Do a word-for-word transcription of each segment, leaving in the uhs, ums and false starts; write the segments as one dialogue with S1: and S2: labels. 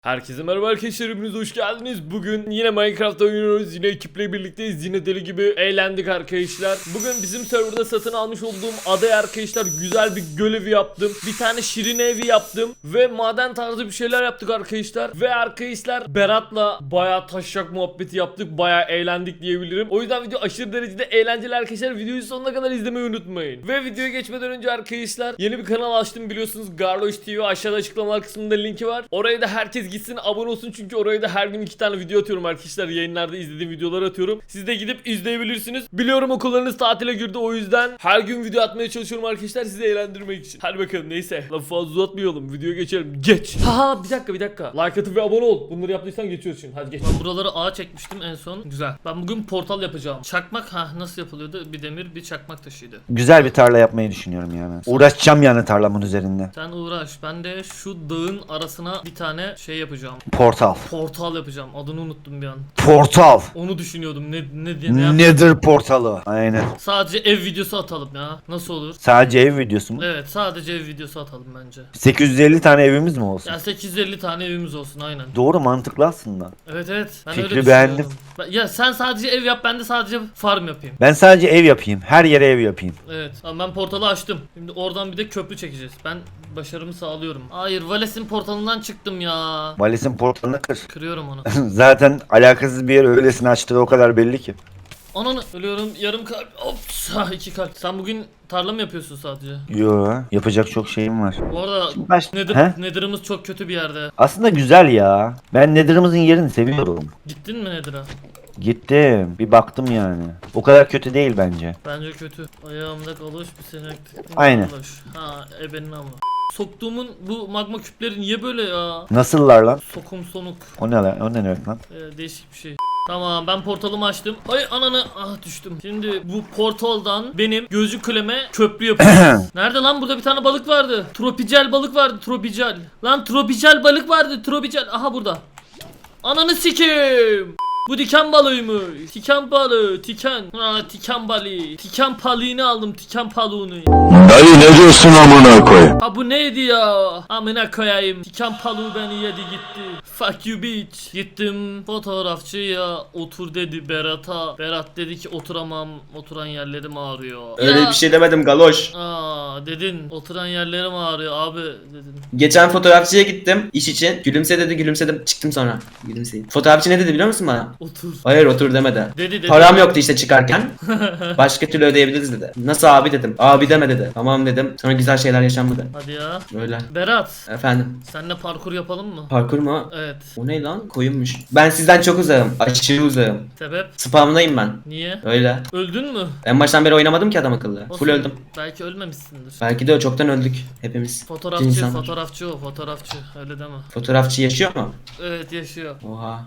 S1: Herkese merhaba arkadaşlar, hepiniz hoş geldiniz. Bugün yine Minecraft oynuyoruz. Yine ekiple birlikteyiz. Yine deli gibi eğlendik arkadaşlar. Bugün bizim serverda satın almış olduğum adaya arkadaşlar güzel bir göl evi yaptım. Bir tane şirin evi yaptım. Ve maden tarzı bir şeyler yaptık arkadaşlar. Ve arkadaşlar Berat'la bayağı taşacak muhabbeti yaptık. Bayağı eğlendik diyebilirim. O yüzden video aşırı derecede eğlenceli arkadaşlar. Videoyu sonuna kadar izlemeyi unutmayın. Ve videoya geçmeden önce arkadaşlar yeni bir kanal açtım biliyorsunuz. Garloş T V, aşağıda açıklamalar kısmında linki var. Oraya da herkes gitsin abone olsun, çünkü oraya da her gün iki tane video atıyorum arkadaşlar. Yayınlarda izlediğim videoları atıyorum. Siz de gidip izleyebilirsiniz. Biliyorum okullarınız tatile girdi, o yüzden her gün video atmaya çalışıyorum arkadaşlar, sizi eğlendirmek için. Hadi bakalım, neyse lafı fazla uzatmayalım, videoya geçelim. Geç. Haha bir dakika bir dakika. Like atıp ve abone ol. Bunları yaptıysan geçiyoruz şimdi. Hadi geç. Ben buraları ağa çekmiştim en son. Güzel. Ben bugün portal yapacağım. Çakmak ha nasıl yapılıyordu? Bir demir bir çakmak taşıydı.
S2: Güzel bir tarla yapmayı düşünüyorum ya ben. Uğraşacağım yani tarlamın üzerinde.
S1: Sen uğraş. Ben de şu dağın arasına bir tane şey yapacağım.
S2: Portal.
S1: Portal yapacağım. Adını unuttum bir an.
S2: Portal.
S1: Onu düşünüyordum. Ne ne diye ne yapayım?
S2: Nedir portalı? Aynen.
S1: Sadece ev videosu atalım ya. Nasıl olur?
S2: Sadece ev videosu mu?
S1: Evet, sadece ev videosu atalım bence.
S2: sekiz yüz elli tane evimiz mi olsun?
S1: Ya sekiz yüz elli tane evimiz olsun aynen.
S2: Doğru, mantıklı aslında.
S1: Evet evet. Ben
S2: Fikri
S1: öyle
S2: beğendim.
S1: düşünüyorum. Ben- Ya sen sadece ev yap, ben de sadece farm yapayım.
S2: Ben sadece ev yapayım. Her yere ev yapayım.
S1: Evet. Ama ben portalı açtım. Şimdi oradan bir de köprü çekeceğiz. Ben başarımı sağlıyorum. Hayır, Vales'in portalından çıktım ya.
S2: Valisin portalını kır.
S1: Kırıyorum onu.
S2: Zaten alakasız bir yer öylesine açtığı o kadar belli ki.
S1: Ananı ölüyorum, yarım kalp. Ops, ha, iki kalp. Sen bugün tarla mı yapıyorsun sadece?
S2: Yo, yapacak çok şeyim var.
S1: Bu arada
S2: Baş...
S1: nedir,
S2: He?
S1: nedirimiz çok kötü bir yerde.
S2: Aslında güzel ya. Ben Nether'ımızın yerini seviyorum.
S1: Gittin mi nedir'a?
S2: Gittim. Bir baktım yani. O kadar kötü değil bence.
S1: Bence kötü. Ayağımda kalış bir sinek.
S2: Aynen.
S1: Kalış. Ha ebenin ama. Soktuğumun bu magma küpleri niye böyle ya?
S2: Nasıllar lan?
S1: Sokum sonuk.
S2: O ne lan? O ne demek lan?
S1: Ee, değişik bir şey. Tamam, ben portalımı açtım. Hayır ananı, ah düştüm. Şimdi bu portaldan benim gözcü kuleme köprü yapacağız. Nerede lan, burada bir tane balık vardı. Tropicel balık vardı, tropicel. Lan tropicel balık vardı, tropicel. Aha burada. Ananı sikeyim. Bu diken balığıymış. Tiken balığı, tiken. Ha tiken balığı. Tiken balığını aldım, tiken balığını.
S3: Dayı ne diyorsun amına koy?
S1: Ha bu neydi ya? Amına koyayım. Tiken balığı beni yedi gitti. Fuck you bitch. Gittim fotoğrafçıya, otur dedi Berat'a. Berat dedi ki oturamam. Oturan yerlerim ağrıyor.
S4: Öyle
S1: Ya.
S4: bir şey demedim galoş.
S1: Aa dedin. Oturan yerlerim ağrıyor abi dedin.
S4: Geçen fotoğrafçıya gittim iş için. Gülümse dedi, gülümsedim. Çıktım sonra. Gülümseyim. Fotoğrafçı ne dedi biliyor musun bana?
S1: Otur.
S4: Hayır otur demedi.
S1: Dedi dedi.
S4: Param yoktu işte çıkarken. Başka türlü ödeyebiliriz dedi. Nasıl abi dedim. Abi deme dedi. Tamam dedim. Sonra güzel şeyler yaşanmadı.
S1: Hadi ya.
S4: Öyle.
S1: Berat.
S4: Efendim.
S1: Seninle parkur yapalım mı?
S4: Parkur mu?
S1: Evet.
S4: O ne lan? Koyunmuş. Ben sizden çok uzağım. Aşırı uzağım.
S1: Sebep?
S4: Spamdayım ben.
S1: Niye?
S4: Öyle.
S1: Öldün mü?
S4: En baştan beri oynamadım ki adam akıllı.
S1: Olsun.
S4: Full öldüm.
S1: Belki ölmemişsindir.
S4: Belki de çoktan öldük hepimiz.
S1: Fotoğrafçı,
S4: İnsanlar.
S1: fotoğrafçı o, fotoğrafçı. Öyle deme.
S4: Fotoğrafçı yaşıyor mu?
S1: Evet, yaşıyor.
S4: Oha.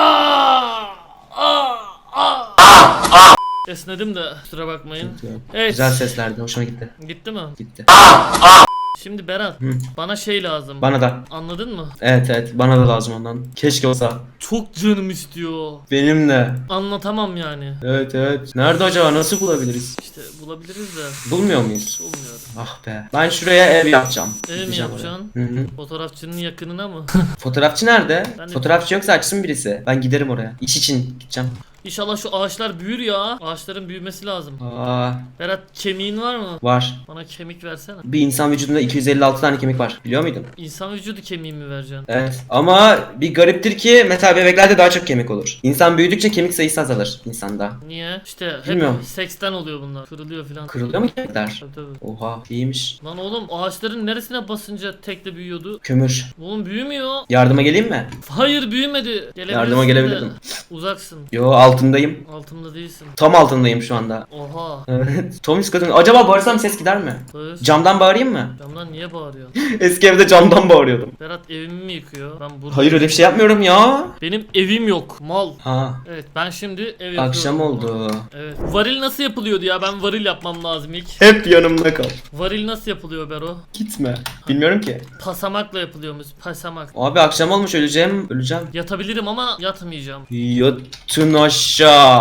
S1: Esnedim de kusura bakmayın. Evet.
S4: Güzel seslerdi. Hoşuma gitti.
S1: Gitti mi?
S4: Gitti.
S1: Şimdi Berat,
S4: Hı.
S1: bana şey lazım.
S4: Bana da.
S1: Anladın mı?
S4: Evet evet bana da lazım ondan. Keşke olsa.
S1: Çok canım istiyor.
S4: Benim de.
S1: Anlatamam yani.
S4: Evet evet. Nerede acaba, nasıl bulabiliriz?
S1: İşte bulabiliriz de
S4: Bulmuyor muyuz?
S1: bulmuyorum.
S4: Ah be. Ben şuraya ev yapacağım.
S1: Ev mi
S4: Gideceğim
S1: yapacaksın?
S4: oraya. Hı hı.
S1: Fotoğrafçının yakınına mı?
S4: Fotoğrafçı nerede?
S1: Ben de-
S4: Fotoğrafçı yoksa açsın birisi. Ben giderim oraya. İş için gideceğim.
S1: İnşallah şu ağaçlar büyür ya. Ağaçların büyümesi lazım.
S4: Aa,
S1: Berat, kemiğin var mı?
S4: var.
S1: Bana kemik versene.
S4: Bir insan vücudunda iki yüz elli altı tane kemik var. Biliyor muydun?
S1: İnsan vücudu kemiği mi vereceksin?
S4: Evet. Ama bir gariptir ki mesela bebeklerde daha çok kemik olur. İnsan büyüdükçe kemik sayısı azalır insanda.
S1: Niye? İşte hep
S4: Bilmiyorum.
S1: seksten oluyor bunlar. Kırılıyor filan.
S4: Kırılıyor mu kemikler?
S1: Tabii tabii.
S4: Oha, iyiymiş.
S1: Lan oğlum, ağaçların neresine basınca tekle büyüyordu?
S4: Kömür.
S1: Oğlum büyümüyor.
S4: Yardıma geleyim mi?
S1: Hayır, büyümedi. Gelebilirsin
S4: Yardıma
S1: de
S4: gelebilirdim.
S1: Uzaksın.
S4: Yo, altındayım.
S1: Altımda değilsin.
S4: Tam altındayım şu anda.
S1: Oha.
S4: Evet. Tom üst katında. Acaba bağırsam ses gider mi?
S1: Bağır.
S4: Camdan bağırayım mı?
S1: Camdan niye bağırıyorsun?
S4: Eski evde camdan bağırıyordum.
S1: Berat evimi mi yıkıyor? Ben burada.
S4: Hayır öyle bir şey yapmıyorum ya.
S1: Benim evim yok. Mal.
S4: Ha.
S1: Evet, ben şimdi ev yapıyorum.
S4: Akşam oldu.
S1: Evet. Varil nasıl yapılıyordu ya? Ben varil yapmam lazım ilk.
S4: Hep yanımda kal.
S1: Varil nasıl yapılıyor Bero?
S4: Gitme. Bilmiyorum ki.
S1: Pasamakla yapılıyormuş. Pasamak.
S4: Abi akşam olmuş, öleceğim. Öleceğim.
S1: Yatabilirim ama yatmayacağım.
S4: Yatın aşağı.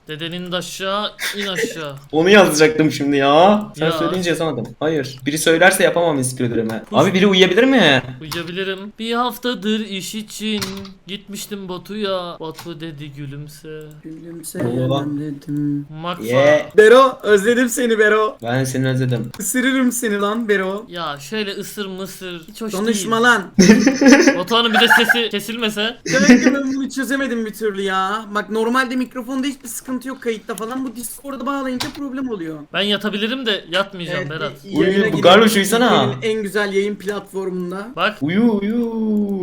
S1: Dedenin de aşağı, in aşağı.
S4: Onu yazacaktım şimdi ya. Sen
S1: Ya.
S4: söyleyince yazamadım. Hayır. Biri söylerse yapamam istiyorlarımı. Abi biri uyuyabilir mi?
S1: Uyuyabilirim. Bir haftadır iş için gitmiştim Batu'ya. Batu dedi gülümse.
S5: Gülümseyemem dedim.
S1: Makfa.
S4: Yeah.
S5: Bero özledim seni Bero.
S4: Ben seni özledim.
S5: Isırırım seni lan Bero.
S1: Ya şöyle ısır mısır. Hiç hoş
S5: Konuşma
S1: değil.
S5: lan.
S1: Batuhan'ın bir de sesi kesilmese.
S5: Demek ki ben bunu çözemedim bir türlü ya. Bak normalde mikrofonda hiçbir sıkıntı yok kayıtta falan. Bu Discord'a bağlayınca problem oluyor.
S1: Ben yatabilirim de yatmayacağım Berat.
S5: yayına
S4: Uyu, bu
S5: gidip
S4: Garloş uyusana.
S5: Türkiye'nin en güzel yayın platformunda.
S1: Bak.
S4: Uyu uyu.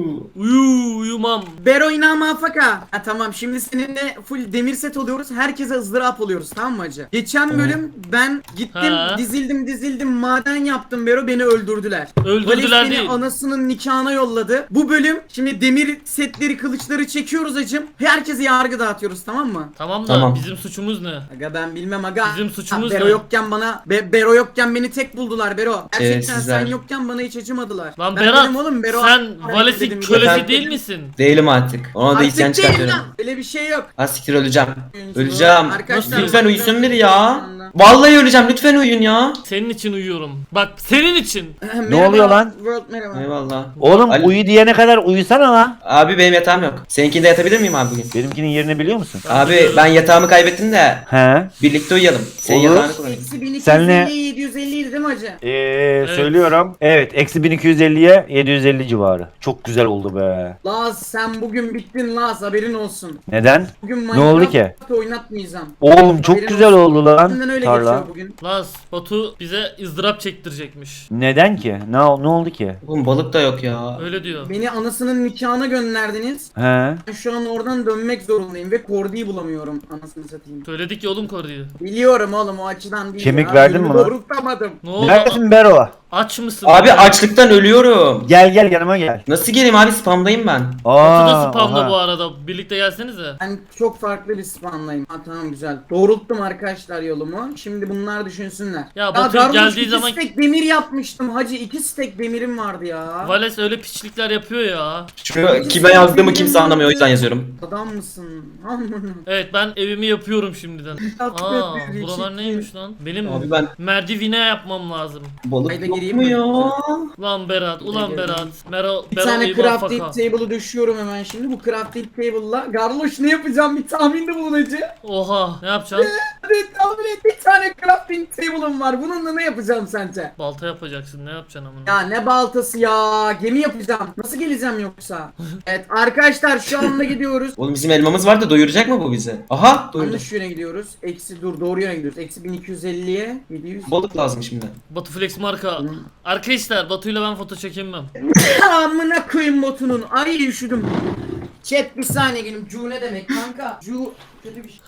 S1: Uyu uyumam.
S5: Bero inama faka. Ha tamam şimdi seninle full demir set oluyoruz. Herkese ızdırap oluyoruz tamam mı hacı? Geçen bölüm ben gittim
S1: Ha.
S5: dizildim dizildim maden yaptım Bero beni öldürdüler.
S1: Öldürdüler
S5: Vales beni
S1: değil.
S5: anasının nikahına yolladı. Bu bölüm şimdi demir setleri kılıçları çekiyoruz hacım. Herkese yargı dağıtıyoruz tamam mı?
S1: Tamam da
S4: Tamam.
S1: bizim suçumuz ne?
S5: Aga ben bilmem aga.
S1: Bizim suçumuz
S5: Ha, Bero
S1: ne?
S5: yokken bana Be- Bero yokken beni tek buldular Bero. Gerçekten
S4: sizler.
S5: sen yokken bana hiç acımadılar.
S1: Lan
S5: Ben
S1: Berat
S5: dedim oğlum, Bero-
S1: sen
S5: Ben
S1: Vales'in
S5: dedim,
S1: kölesi
S4: efendim?
S1: değil misin?
S4: Değilim artık. Ona da
S5: Artık
S4: isyan
S5: değil
S4: çıkartıyorum.
S5: lan. Öyle bir şey yok.
S4: Ha siktir öleceğim.
S5: Oyuncu.
S4: Öleceğim.
S5: Arkadaşlar,
S4: Lütfen uyusun
S5: ben-
S4: biri ya. Vallahi öleceğim. Lütfen uyuyun ya.
S1: Senin için uyuyorum. Bak senin için.
S5: Merhaba,
S2: oluyor lan?
S5: World merhaba.
S4: Eyvallah.
S2: Oğlum
S4: Ali-
S2: uyu diyene kadar uyusana lan.
S4: Abi benim yatağım yok. Seninkinde yatabilir miyim abi bugün?
S2: Benimkinin yerini biliyor musun?
S4: Abi ben yatağımı kaybettim de
S2: He.
S4: birlikte uyuyalım. Senin
S2: Olur.
S4: yatağını kullanayım.
S5: Eksi bin iki yüz
S2: Senle-
S5: elli yedi yüz elli idi değil mi hacı?
S2: Ee, söylüyorum. Evet eksi bin iki yüz elliye yedi yüz elli civarı. Çok güzel oldu be.
S5: Laz sen bugün bittin Laz haberin olsun.
S2: Neden?
S5: Bugün
S2: Ne oldu ki?
S5: oynatmayacağım.
S2: Oğlum çok
S5: Haberin
S2: güzel oldu lan
S5: Senden öyle
S2: tarla.
S5: geçiyor bugün.
S1: Laz Batu bize ızdırap çektirecekmiş.
S2: Neden ki? Ne, ne oldu ki?
S4: Oğlum balık da yok ya.
S1: Öyle diyor.
S5: Beni anasının nikahına gönderdiniz.
S2: He.
S5: Ben şu an oradan dönmek zorundayım ve Kordi'yi bulamıyorum anasını satayım.
S1: Söyledik ya oğlum koruyu.
S5: Biliyorum oğlum o açıdan değil.
S2: Kemik
S5: ya.
S2: verdin mi
S5: Yolumu
S2: lan?
S5: Doğrultamadım.
S1: Ne oldu?
S2: Neredesin Bero?
S1: Aç mısın?
S4: Abi açlıktan ölüyorum.
S2: Gel gel yanıma gel.
S4: Nasıl geleyim abi spamdayım ben.
S1: Batu da
S2: Aa,
S1: spamda
S2: oha.
S1: bu arada. Birlikte gelsenize.
S5: Ben çok farklı bir spamlayım. Ha tamam güzel. Doğrulttum arkadaşlar yolumu. Şimdi bunlar düşünsünler.
S1: Ya Batu
S5: Garloş,
S1: geldiği
S5: iki
S1: zaman-
S5: stek demir yapmıştım hacı. iki stek demirim vardı ya.
S1: Vales öyle piçlikler yapıyor ya.
S4: Şu kime yazdığımı kimse anlamıyor o yüzden yazıyorum.
S5: Adam mısın? Amına.
S1: Evet ben evimi yapıyorum şimdiden. Aa
S5: bir
S1: buralar
S5: çirkin.
S1: neymiş lan? Benim
S4: Abi ben
S1: merdivine yapmam lazım.
S4: balık
S5: Hayda
S4: yok
S5: gireyim
S4: mu
S5: mi?
S4: ya?
S1: Ulan Berat, ulan
S5: girdim.
S1: Berat. Mero,
S5: Bir
S1: Bero
S5: tane
S1: iyi bak
S5: crafting
S1: faka.
S5: table'ı düşüyorum hemen şimdi. Bu crafting table'la Garloş ne yapacağım bir tahminde bulun hacı.
S1: Oha ne yapacaksın?
S5: Hadi tahmin et bir tane crafting table'ım var. Bununla ne yapacağım sence?
S1: Balta yapacaksın ne yapacaksın amına?
S5: Ya ne baltası ya. Gemi yapacağım. Nasıl geleceğim yoksa? Evet arkadaşlar şu anda gidiyoruz.
S4: Oğlum bizim elmamız var da doyuracak mı bu bizi? Aha doyurdu.
S5: Yanlış yöne gidiyoruz. Eksi dur doğru yöne gidiyoruz. Eksi bin iki yüz elliye yedi yüz.
S4: Balık lazım şimdi.
S1: Batu Flex marka. Arkadaşlar Batu'yla ben foto çekinmem.
S5: Amına koyayım botunun. Ay üşüdüm. Chat bir saniye gelin. Cu ne demek kanka? Cu kötü bir şey.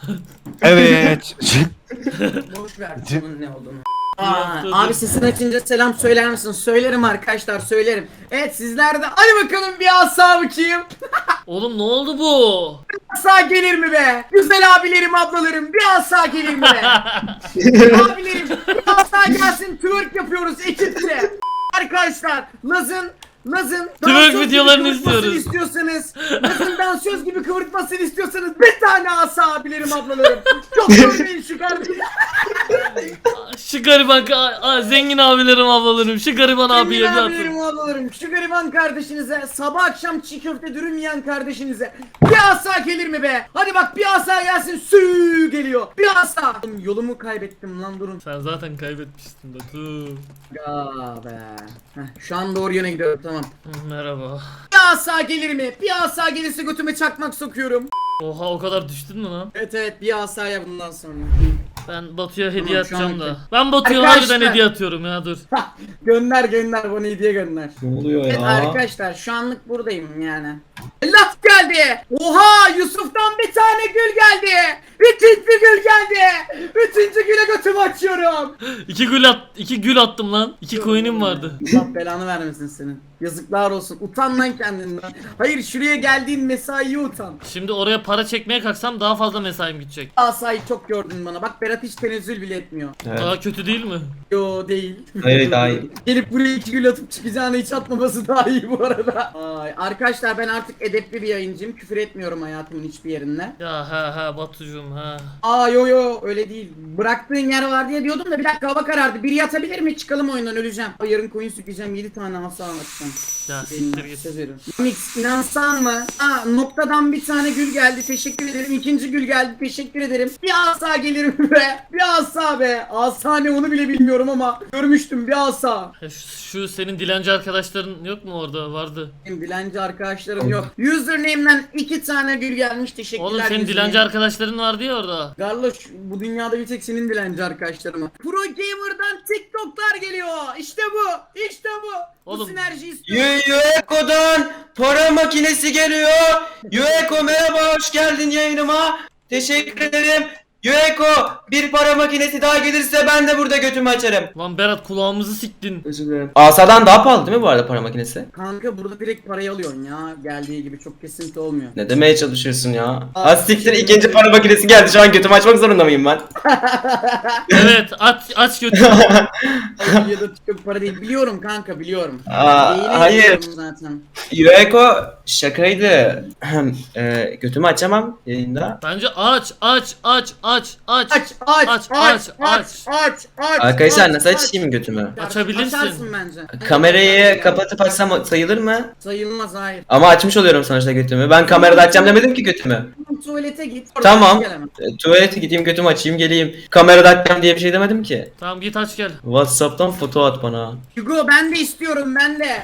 S2: Evet.
S5: Boş ver bunun ne olduğunu. Aa,
S1: Yaptı,
S5: abi
S1: dur.
S5: sesini açınca selam söyler misin? Söylerim arkadaşlar söylerim. Evet sizler de hadi bakalım bir asa bakayım.
S1: Oğlum ne oldu bu?
S5: Asa gelir mi be? Güzel abilerim ablalarım bir asa gelir mi be? Abilerim bir asa gelsin twerk yapıyoruz ekipçe. Arkadaşlar Laz'ın Laz'ın dansöz gibi
S1: videolarını
S5: kıvırtmasını
S1: istiyoruz.
S5: istiyorsanız Laz'ın dansöz gibi kıvırtmasını istiyorsanız bir tane asa abilerim ablalarım. Çok görmeyin şu kardeşim.
S1: Şu gariban ka- a- zengin abilerim ablalarım. Şu gariban abiye
S5: Emin
S1: bir
S5: abilerim
S1: atın.
S5: ablalarım şu gariban kardeşinize sabah akşam çiğ köfte dürüm yiyen kardeşinize bir asa gelir mi be? Hadi bak bir asa gelsin sü geliyor bir asa. Oğlum, yolumu kaybettim lan durun.
S1: Sen zaten kaybetmiştin Batu.
S5: Ya be. Heh, şu an doğru yöne gidiyorum tamam.
S1: Hı, Merhaba.
S5: Bir asa gelir mi? Bir asa gelirse götüme çakmak sokuyorum.
S1: Oha o kadar düştün mü lan?
S5: Evet evet bir asaya bundan sonra.
S1: Ben Batu'ya hediye
S5: Tamam, şu
S1: atacağım
S5: an-
S1: da. Ben Batu'ya
S5: Arkadaşlar-
S1: harbiden hediye atıyorum ya dur.
S5: Hah, gönder gönder bana hediye gönder.
S4: Ne oluyor
S5: Evet
S4: ya?
S5: arkadaşlar şu anlık buradayım yani. Laf geldi. Oha Yusuf'tan bir tane gül geldi. Üçüncü gül geldi. Üçüncü güle götümü açıyorum.
S1: İki gül at, iki gül attım lan. İki coin'im vardı.
S5: Allah belanı vermesin senin. Yazıklar olsun. Utan lan kendinden. Hayır şuraya geldiğin mesaiye utan.
S1: Şimdi oraya para çekmeye kalksam daha fazla mesaim gidecek.
S5: Asayı çok gördün bana. Bak Berat hiç tenezzül bile etmiyor.
S4: Evet.
S1: Daha kötü değil mi?
S5: Yo değil.
S4: Hayır, daha iyi.
S5: Gelip buraya iki gül atıp çıkacağını hiç atmaması daha iyi bu arada. Ay, arkadaşlar ben artık edepli bir yayın gencim. Küfür etmiyorum hayatımın hiçbir yerinde.
S1: Ya ha ha Batucuğum ha.
S5: Aa yo yo öyle değil. Bıraktığın yer var diye diyordum da bir dakika hava karardı. Biri yatabilir mi? Çıkalım oyundan, öleceğim. Ay, yarın koyun sükeceğim, yedi tane asa anlatacağım.
S1: Ya siktir git.
S5: Söz veriyorum. Mix inansan mı? Aa, noktadan bir tane gül geldi, teşekkür ederim. İkinci gül geldi, teşekkür ederim. Bir asa gelir mi be? Bir asa be. Asa ne onu bile bilmiyorum ama görmüştüm bir asa.
S1: Ya Şu, şu senin dilenci arkadaşların yok mu orada? Vardı.
S5: Benim dilenci arkadaşlarım yok. Username'den iki tane gül gelmiş, teşekkürler.
S1: Oğlum senin
S5: username.
S1: dilenci arkadaşların vardı ya orada.
S5: Garloş, bu dünyada bir tek senin dilenci arkadaşların var. Pro Gamer'dan TikTok'lar geliyor. İşte bu. İşte bu. Bu
S1: Oğlum.
S5: sinerji istiyorum.
S4: Yueko'dan para makinesi geliyor. Yueko merhaba, hoş geldin yayınıma. Teşekkür ederim. Yueko, bir para makinesi daha gelirse ben de burada götümü açarım.
S1: Lan Berat kulağımızı siktin.
S4: Özür dilerim. Asadan daha pahalı değil mi bu arada para makinesi?
S5: Kanka burada direkt parayı alıyorsun ya. Geldiği gibi çok kesinti olmuyor.
S4: Ne demeye çalışıyorsun ya?
S5: Aa,
S4: Az siktir,
S5: teşekkür
S4: ikinci
S5: ederim.
S4: para makinesi geldi, şu an götümü açmak zorunda mıyım ben?
S1: Evet aç aç götür.
S5: Ay, ya da çok para değil. Biliyorum kanka, biliyorum.
S4: Aa,
S5: Yayını
S4: hayır.
S5: yapıyorum zaten.
S4: Yueko şakaydı. e, götümü açamam yayında.
S1: Bence aç aç aç aç aç.
S5: Aç aç
S1: Aç,
S5: aç
S1: aç,
S5: aç aç aç.
S4: Arkadaşlar
S5: aç,
S4: nasıl
S5: aç.
S4: açayım götümü?
S1: Açabilirsin.
S5: Açarsın bence.
S4: Kamerayı kapatıp açsam sayılır mı?
S5: Sayılmaz, hayır.
S4: Ama açmış oluyorum sonuçta götümü. Ben kamerada açacağım demedim ki götümü.
S5: Tuvalete git.
S4: Tamam.
S5: Gel hemen.
S4: E, tuvalete gideyim, götümü açayım, geleyim. Kamerada açacağım diye bir şey demedim ki.
S1: Tamam git aç gel.
S4: WhatsApp'tan foto at bana.
S5: Hugo ben de istiyorum, ben de.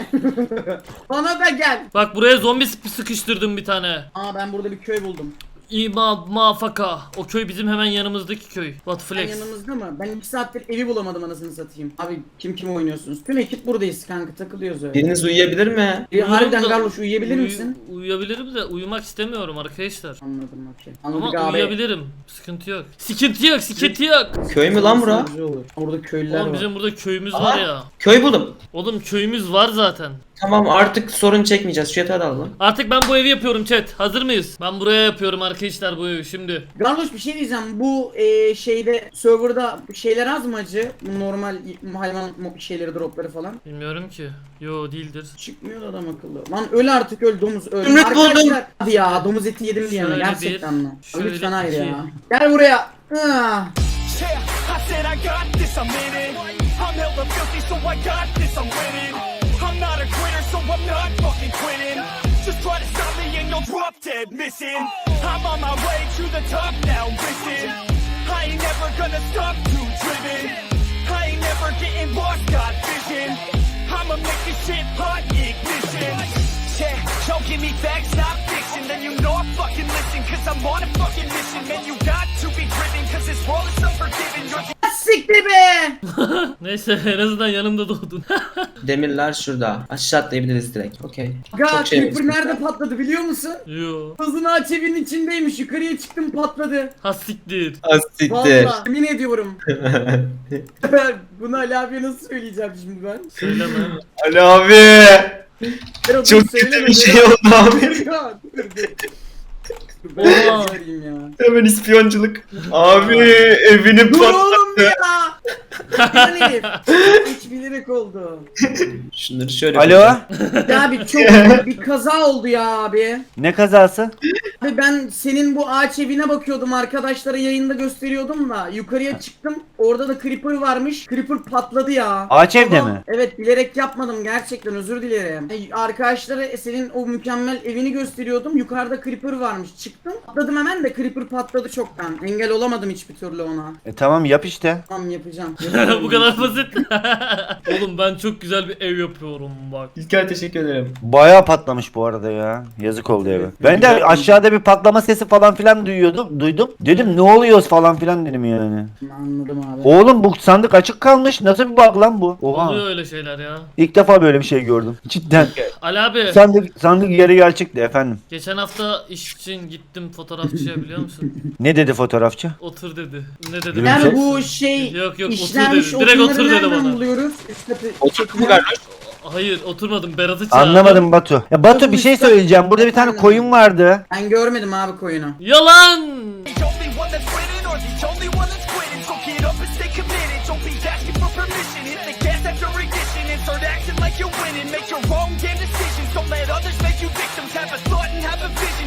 S5: Bana da gel.
S1: Bak buraya zombi sık- sıkıştırdım bir tane.
S5: Aa, ben burada bir köy buldum.
S1: İma mafaka. O köy bizim hemen yanımızdaki köy. What
S5: Sen
S1: flex.
S5: yanımızda mı? Ben iki saattir evi bulamadım, anasını satayım. Abi kim kim oynuyorsunuz? Tüm ekip buradayız kanka, takılıyoruz öyle.
S4: Biriniz uyuyabilir mi?
S5: Bir harbiden
S1: Uyurum da-
S5: Garloş, uyuyabilir
S1: Uyu-
S5: misin?
S1: Uyuyabilirim de uyumak istemiyorum arkadaşlar.
S5: Anladım, okey.
S1: Ama
S5: Anladık abi.
S1: uyuyabilirim. Sıkıntı yok. Sıkıntı yok, sıkıntı yok.
S4: Köy mü lan bura?
S5: Güzel olur. Orada köylüler
S1: Oğlum
S5: var.
S1: bizim burada köyümüz
S4: Aha.
S1: var ya.
S4: Köy buldum.
S1: Oğlum köyümüz var zaten.
S4: Tamam, artık sorun çekmeyeceğiz. Şu yatağı da alalım.
S1: Artık ben bu evi yapıyorum chat. Hazır mıyız? Ben buraya yapıyorum arkadaşlar bu evi şimdi.
S5: Garloş bir şey diyeceğim. Bu e, şeyde serverda şeyler az mı acı? Bu normal hayvan mo- şeyleri, dropları falan.
S1: Bilmiyorum ki. Yo değildir.
S5: Çıkmıyor da adam akıllı. Lan öl artık, öl domuz öl.
S4: Zümrüt buldum.
S5: Arkadaşlar, hadi ya domuz eti yedim diye mi?
S1: Şöyle
S5: Gerçekten
S1: bir,
S5: mi?
S1: şöyle
S5: Lütfen hayır
S1: iki.
S5: ya. Gel buraya. Ah.
S6: Yeah, I said I got this, I'm in it. I'm hella filthy, so I got this, I'm winning. I'm not a quitter, so I'm not fucking quitting. Just try to stop me and you'll drop dead missing. I'm on my way to the top now, listen. I ain't never gonna stop, too driven. I ain't never getting lost, got vision. I'ma make this shit hot, ignition. Yeah, don't give me facts, not fiction. Then you know I fucking listen, cause I'm on a fucking mission. Man, you got to be driven, cause this world is unforgiving. You're
S5: Siktir be.
S1: Neyse en azından yanımda doğdun.
S4: Demirler şurada. Aşağı atlayabiliriz direkt. Okey.
S5: Ga
S4: Çok şey
S5: Creeper
S4: mi?
S5: nerede patladı biliyor musun?
S1: Yo.
S5: Hızını aç evin içindeymiş. Yukarıya çıktım, patladı.
S1: Ha siktir.
S4: Asittir.
S5: Vallahi yemin ediyorum. Bunu Ali abiye nasıl söyleyeceğim şimdi ben?
S1: Söyleme.
S4: Ali abi.
S5: Dur,
S4: Çok
S5: dur, söyleme,
S4: kötü bir
S5: dur.
S4: şey oldu abi.
S5: Dur, dur, dur. Ben
S1: Oha.
S5: söyleyeyim ya.
S4: Hemen ispiyonculuk. Abi evini
S5: Dur
S4: patlattı.
S5: oğlum ya. Lan herif. Hiç bilerek oldu.
S4: Şunları şöyle
S2: Alo?
S4: yapacağım.
S5: Ya abi çok bir kaza oldu ya abi.
S2: Ne kazası?
S5: Abi ben senin bu ağaç evine bakıyordum, arkadaşlara yayında gösteriyordum da yukarıya çıktım, orada da creeper varmış, creeper patladı ya.
S2: Ağaç evde
S5: Ama-
S2: mi?
S5: Evet, bilerek yapmadım, gerçekten özür dilerim. E, Arkadaşlara senin o mükemmel evini gösteriyordum, yukarıda creeper varmış, çıktım patladım hemen de creeper patladı çoktan, engel olamadım hiçbir türlü ona.
S2: E tamam yap işte.
S5: Tamam, yapacağım.
S1: Bu kadar basit. Oğlum ben çok güzel bir ev yapıyorum bak.
S4: İlker teşekkür ederim.
S2: Bayağı patlamış bu arada ya. Yazık oldu eve. Ben de aşağıda bir patlama sesi falan filan duyuyordum. Duydum. Dedim ne oluyoruz falan filan dedim yani.
S5: Anladım abi.
S2: Oğlum bu sandık açık kalmış. Nasıl bir bug lan bu? Oha.
S1: Oluyor öyle şeyler ya.
S2: İlk defa böyle bir şey gördüm. Cidden.
S1: Ali abi
S2: Sandık sandık yarı gerçekti efendim.
S1: geçen hafta iş için gittim fotoğrafçıya biliyor musun?
S2: Ne dedi fotoğrafçı?
S1: Otur dedi. Ne dedi?
S2: Yani
S5: Yani bu şey
S1: Yok, yok, otur
S5: işlenmiş
S1: dedi. Direkt
S5: odunları
S1: otur dedi
S5: nereden
S1: bana.
S5: buluyoruz? Üst katı
S4: Otur mu
S5: çekilen-
S4: kardeş?
S1: Hayır oturmadım Berat'ı çağırdım.
S2: Anlamadım Batu. Ya Batu bir şey söyleyeceğim. Burada bir tane koyun vardı.
S5: Ben görmedim abi koyunu.
S1: Yalan.
S6: the only one that's winning or the only one that's quitting. So get up and stay committed. Don't be asking for permission. Hit the gas after ignition and start acting like you're winning. Make your own damn decisions. Don't let others make you victims. Have a thought and have a vision.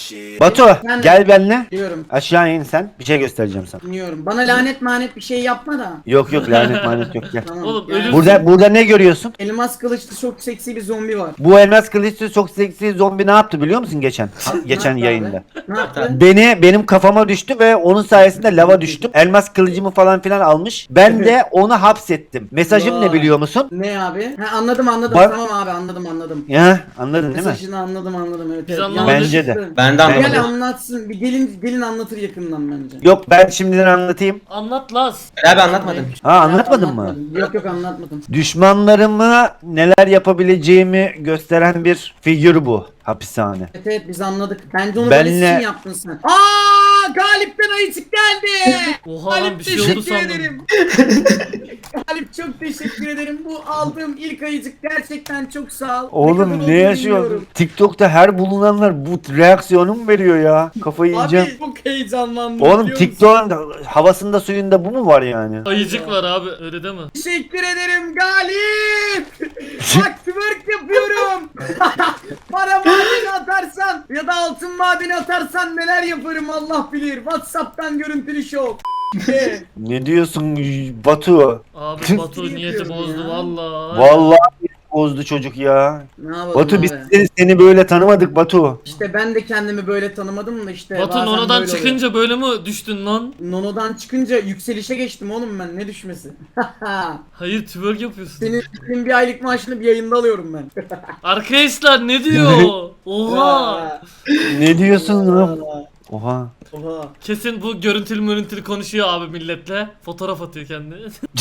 S2: Batu
S5: Ben de-
S2: gel benimle.
S5: Diyorum.
S2: Aşağı in sen. Bir şey göstereceğim sana.
S5: Dinliyorum. Bana lanet manet bir şey yapma da.
S2: Yok yok lanet manet yok gel.
S5: Tamam.
S1: Oğlum,
S5: Yani
S1: ölüm-
S2: Burada burada ne görüyorsun?
S5: elmas kılıçlı çok seksi bir zombi var.
S2: Bu elmas kılıçlı çok seksi zombi ne yaptı biliyor musun geçen? Geçen
S5: yaptı
S2: yayında.
S5: abi? Ne yaptı?
S2: Beni benim kafama düştü ve onun sayesinde lava düştüm. Elmas kılıcımı falan filan almış. Ben de onu hapsettim. Mesajım ne
S5: Vay.
S2: biliyor musun?
S5: Ne abi? Ha, anladım anladım.
S2: Bak-
S5: Tamam abi anladım anladım.
S2: Ya anladın değil mi?
S5: Mesajını anladım anladım. Evet,
S1: Biz
S5: evet.
S1: anlamadık.
S2: Bence de.
S5: Yanlış.
S4: Ben de
S5: Gel
S4: anlamadım.
S5: anlatsın. Bir gelin gelin anlatır yakından bence.
S2: Yok ben şimdiden anlatayım.
S1: Anlat Laz.
S4: Abi anlatmadın.
S2: Ha anlatmadın mı?
S5: Anlatmadım. Yok yok anlatmadım.
S2: Düşmanlarıma neler yapabileceğimi gösteren bir figür bu hapishane.
S5: Evet evet biz anladık. Bence onu
S2: Benle-
S5: böyle için yaptın sen. Aa Galip'ten ayıcık geldi.
S1: Oha lan,
S5: Galip
S1: bir şey oldu
S5: teşekkür
S1: sandım.
S5: ederim. Galip çok teşekkür ederim. Bu aldığım ilk ayıcık gerçekten çok sağ ol. Ne kadar
S2: Oğlum
S5: olduğunu
S2: ne yaşıyor?
S5: bilmiyorum.
S2: TikTok'ta her bulunanlar bu reaksiyonu mu veriyor ya? Kafayı yiyeceğim.
S5: Abi çok heyecanlandım.
S2: Oğlum
S5: biliyor musun?
S2: TikTok'un havasında suyunda bu mu var yani?
S1: Ayıcık var abi, öyle deme.
S5: Teşekkür ederim Galip. Bak twerk yapıyorum. Para madeni atarsan ya da altın madeni atarsan neler yaparım Allah bilir. WhatsApp'tan görüntülü şov. Ee,
S2: Ne diyorsun Batu?
S1: Abi Batu niyeti
S5: yapıyorum
S1: bozdu
S5: ya.
S1: valla.
S2: Vallahi bozdu çocuk ya.
S5: ne yapalım
S2: Batu
S5: abi?
S2: biz seni- seni böyle tanımadık Batu.
S5: İşte ben de kendimi böyle tanımadım da işte.
S1: Batu
S5: bazen
S1: Nono'dan
S5: böyle
S1: çıkınca böyle mi düştün lan?
S5: oluyor. Nono'dan çıkınca yükselişe geçtim oğlum ben ne düşmesi.
S1: Hayır, twerk yapıyorsun.
S5: senin, senin bir aylık maaşını bir yayında alıyorum ben.
S1: Arkadaşlar ne diyor? Oha.
S2: Ne diyorsun lan?
S5: Oha.
S2: Oha.
S5: Oha.
S1: Kesin bu görüntülü görüntülü konuşuyor abi milletle. Fotoğraf atıyor kendine.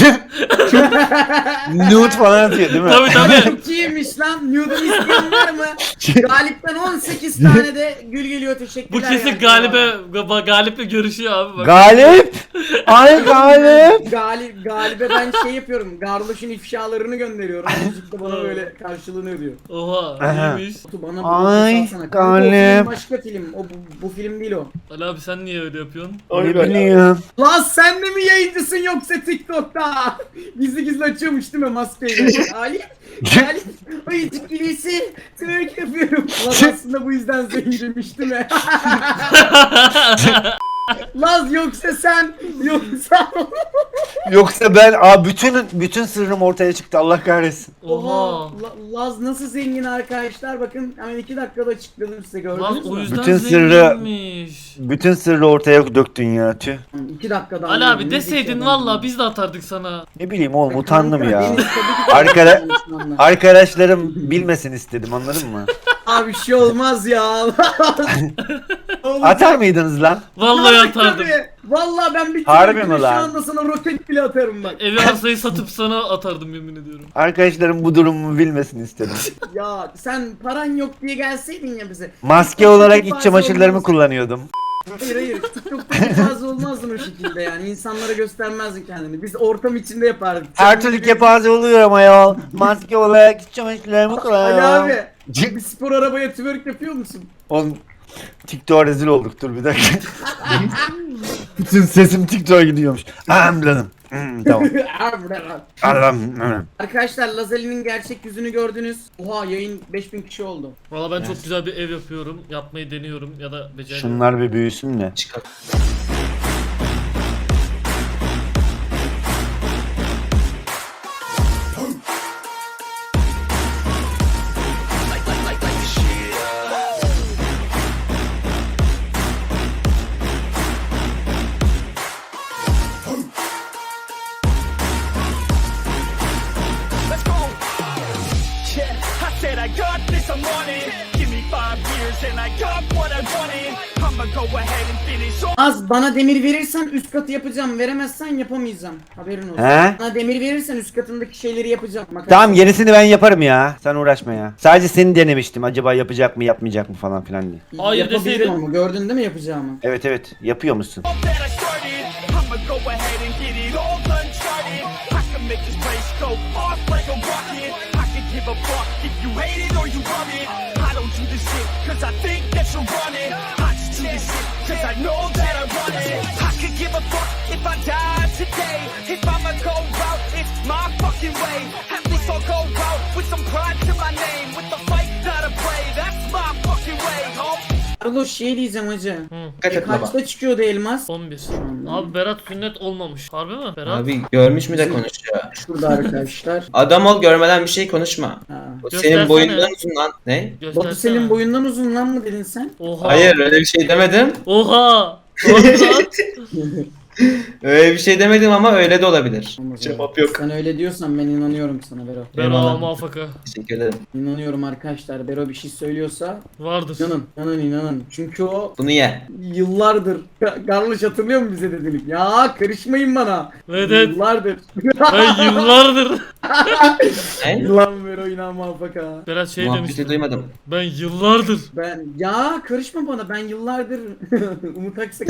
S2: Nude falan atıyor değil mi?
S1: Tabii tabii.
S5: Çok iyiymiş lan. Nude'u isteyen var mı? Galip'ten on sekiz tane de gül geliyor
S1: Bu
S5: teşekkürler.
S1: kesin
S5: yani.
S1: Galibe Ga- Galip'le görüşüyor abi bak.
S2: Galip! Ay Galip!
S5: Galip, Galip'e ben şey yapıyorum. Garloş'un ifşalarını gönderiyorum. Müzik de bana böyle karşılığını ödüyor.
S1: Oha,
S2: Aha.
S1: iyiymiş.
S5: Batu bana bu
S2: Ay,
S5: lafı salsana. Kanka, o film
S2: Galip.
S5: başka film. O bu, bu film değil o.
S1: Ali abi sen niye öyle yapıyorsun?
S2: Ne bileyim.
S5: Lan sen de mi yayıncısın yoksa TikTok'ta? Gizli gizli açıyormuş değil mi maskeyle? Galip, Galip, ayıcık gibisi twerk yapıyorum. Lan aslında bu yüzden zenginmiş değil mi? Laz yoksa sen yoksa
S2: Yoksa ben aa bütün bütün sırrım ortaya çıktı Allah kahretsin.
S1: Oha.
S5: La- Laz nasıl zengin arkadaşlar bakın hemen iki dakikada açıkladım size gördünüz
S1: Lan
S5: mü?
S1: o yüzden
S2: Bütün sırrı-
S1: zenginmiş.
S2: Bütün sırrı ortaya döktün ya tüh.
S5: İki dakikada
S1: Ali
S5: anladım.
S1: abi deseydin
S5: Ne
S1: valla biz de atardık sana.
S2: Ne bileyim oğlum
S5: Kanka,
S2: utandım ya.
S5: Deniz tabii ki de
S2: Arkada-
S5: konuşmamla.
S2: Arkadaşlarım bilmesin istedim anladın mı?
S5: Abi bir şey olmaz ya. Olacak.
S2: Atar mıydınız lan?
S1: Vallahi
S5: Tabii,
S1: atardım.
S5: tabii. Vallahi ben bir
S2: Harbi
S5: twerk'le
S2: mi lan?
S5: Şu anda sana roket bile atarım bak.
S1: Evi arsayı satıp sana atardım yemin ediyorum.
S2: Arkadaşlarım bu durumumu bilmesin istedim.
S5: Ya sen paran yok diye gelseydin ya bize.
S2: Maske olarak iç çamaşırlarımı kullanıyordum.
S5: Hayır hayır. TikTok'ta fazla olmazdın o şekilde yani. İnsanlara göstermezdin kendini. Biz ortam içinde yapardık.
S2: Her türlü kepaze oluyor ama ya. Maske olarak iç çamaşırlarımı
S5: Ali
S2: kullanıyorum.
S5: abi. Bir spor arabaya twerk yapıyor musun?
S2: Oğlum TikTok'a rezil olduk dur bir dakika. Bütün sesim TikTok'a gidiyormuş. Ahem canım. Hmm, tamam. Allah'ım.
S5: Arkadaşlar Lazali'nin gerçek yüzünü gördünüz. Oha yayın beş bin kişi oldu.
S1: Valla ben çok güzel bir ev yapıyorum. Yapmayı deniyorum ya da beceriyorum.
S2: Şunlar bir büyüsün de.
S6: Let's go. Yeah, I said I got this, I'm on it. Give me five years and I got what I wanted. I'ma go ahead and finish all.
S5: Az bana demir verirsen üst katı yapacağım. Veremezsen yapamayacağım. Haberin olsun.
S2: He?
S5: Bana demir verirsen üst katındaki şeyleri yapacağım. Makara-
S2: Tamam yenisini ben yaparım ya. Sen uğraşma ya. Sadece seni denemiştim. Acaba yapacak mı yapmayacak mı falan filan diye.
S1: Hayır
S5: Yapabilirim
S1: deseydin.
S5: ama gördün değil mi yapacağımı?
S2: Evet evet yapıyor musun?
S6: that I started. I'ma go ahead and get it all uncharted. I can make this place go off like a rocket. I can give a fuck if you hate it or you love it. I don't do this shit cause I think that you're running. I just do this shit cause I know that I run it. I could give a fuck if I die today. If I'ma go out, it's my fucking way. At least I'll go out with some pride to my name. With the fight, not a play, that's my fucking way, home.
S5: Carlos şey diyeceğim hacı.
S1: Hı.
S4: Dikkat et baba.
S5: Kaçta çıkıyordu elmas?
S1: on bir.
S5: anda.
S1: Abi Berat sünnet olmamış. Harbi mi? Berat.
S4: Abi görmüş mü de konuşuyor.
S5: Şurada arkadaşlar.
S4: Adam ol, görmeden bir şey konuşma.
S5: Ha.
S4: O
S1: Göstersene.
S4: senin boyundan uzun lan. Ne?
S5: Batu
S1: Göstersene.
S5: senin boyundan uzun lan mı dedin sen?
S1: Oha.
S4: Hayır öyle bir şey demedim.
S1: Oha. Oha.
S4: Öyle bir şey demedim ama öyle de olabilir.
S5: Olmaz
S4: Cevap
S5: öyle.
S4: yok.
S5: Sen öyle diyorsan ben inanıyorum sana Bero.
S1: Bero
S4: Eyvallah.
S1: muvaffaka.
S4: Teşekkür ederim.
S5: İnanıyorum arkadaşlar. Bero bir şey söylüyorsa
S1: Vardır.
S5: inanın, inanın, inanın. Çünkü o
S4: Bunu ye.
S5: yıllardır. Carlos hatırlıyor mu bize dedik? Ya karışmayın bana.
S1: Evet, evet.
S5: Yıllardır.
S1: Ben yıllardır.
S4: Ne?
S5: Lan Bero inan muvaffaka.
S1: Berat şey demişti.
S4: Muhabbeti duymadım.
S1: Ben yıllardır.
S5: Ben ya karışma bana. Ben yıllardır Umut Aksak.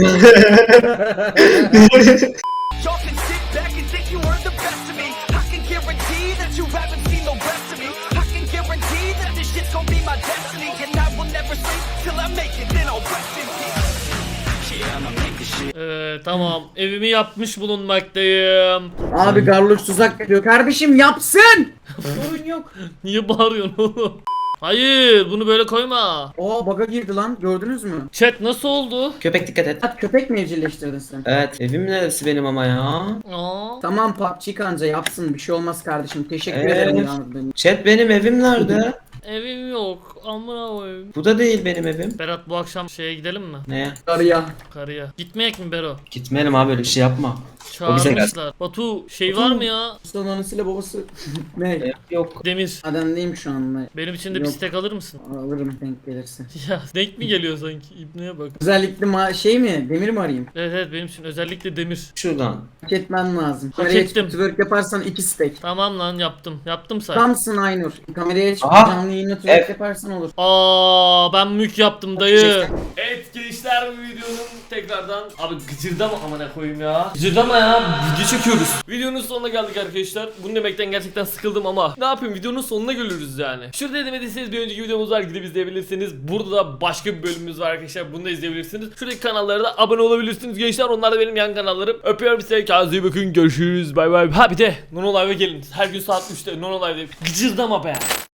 S6: Y'all can sit back and think you are the best of me. I can guarantee that you haven't seen the rest of me. I can guarantee that this shit's gonna be my destiny. And I will never sleep till I make it, then I'll rest in peace. Yeah, I'ma make this shit.
S1: Ee, tamam. Evimi yapmış bulunmaktayım.
S5: Abi Carlos tuzak yapıyor. Kardeşim yapsın. Sorun yok.
S1: Niye bağırıyorsun oğlum? Hayır, bunu böyle koyma.
S5: Oo baga girdi lan. Gördünüz mü?
S1: Chat nasıl oldu?
S4: Köpek dikkat et.
S5: At köpek mi evcilleştirdin sen?
S4: Evet, evim neresi benim ama ya?
S1: Aa.
S5: Tamam P U B G kanca yapsın. Bir şey olmaz kardeşim. Teşekkür
S4: Evet.
S5: ederim ya.
S4: Chat benim evim nerede?
S1: Evim yok. Amına koyayım.
S4: Bu da değil benim evim.
S1: Berat bu akşam şeye gidelim mi?
S4: Ne?
S5: Arıya.
S1: Karıya. Gitmeyek mi Bero?
S4: Gitmeyelim abi, öyle bir şey yapma. O bize geldi.
S1: Çağırmışlar. Batu şey var mı ya?
S5: Ustanın anasıyla babası. ne?
S4: E, Yok.
S1: Demir.
S5: Ademdeyim şu anda.
S1: Benim için de bir
S5: Yok.
S1: stek alır mısın?
S5: Alırım denk gelirse.
S1: Ya denk mi geliyor sanki? İbneye bak.
S5: Özellikle ma şey mi? Demir mi arayayım?
S1: Evet evet benim için özellikle demir.
S4: Şuradan.
S5: Hak etmen lazım.
S1: Hak
S5: Kameraya
S1: ettim.
S5: çıkıp twerk yaparsan iki stack.
S1: Tamam lan yaptım. Yaptım say.
S5: Tamsın Aynur. Kameraya çıkıp
S4: Aha.
S5: canlı yayına twerk
S4: Evet.
S5: yaparsan olur.
S1: Aa ben mük yaptım dayı.
S4: Çektim.
S1: Evet gençler bu videonun tekrardan abi gıcırdama amına koyayım ya. Gıcırdama ya video çekiyoruz. Videonun sonuna geldik arkadaşlar. Bunu demekten gerçekten sıkıldım ama ne yapayım videonun sonuna geliyoruz yani. Şurada demediyseniz bir önceki videomuz var gidip izleyebilirsiniz. Burada da başka bir bölümümüz var arkadaşlar. Bunu da izleyebilirsiniz. Şuradaki kanallara da abone olabilirsiniz gençler. Onlar da benim yan kanallarım. Öpüyorum size. Kendinize iyi bakın. Görüşürüz. Bay bay. Ha bir de Nono Live'a gelin. Her gün saat üçte Nono Live'de. Gıcırdama be.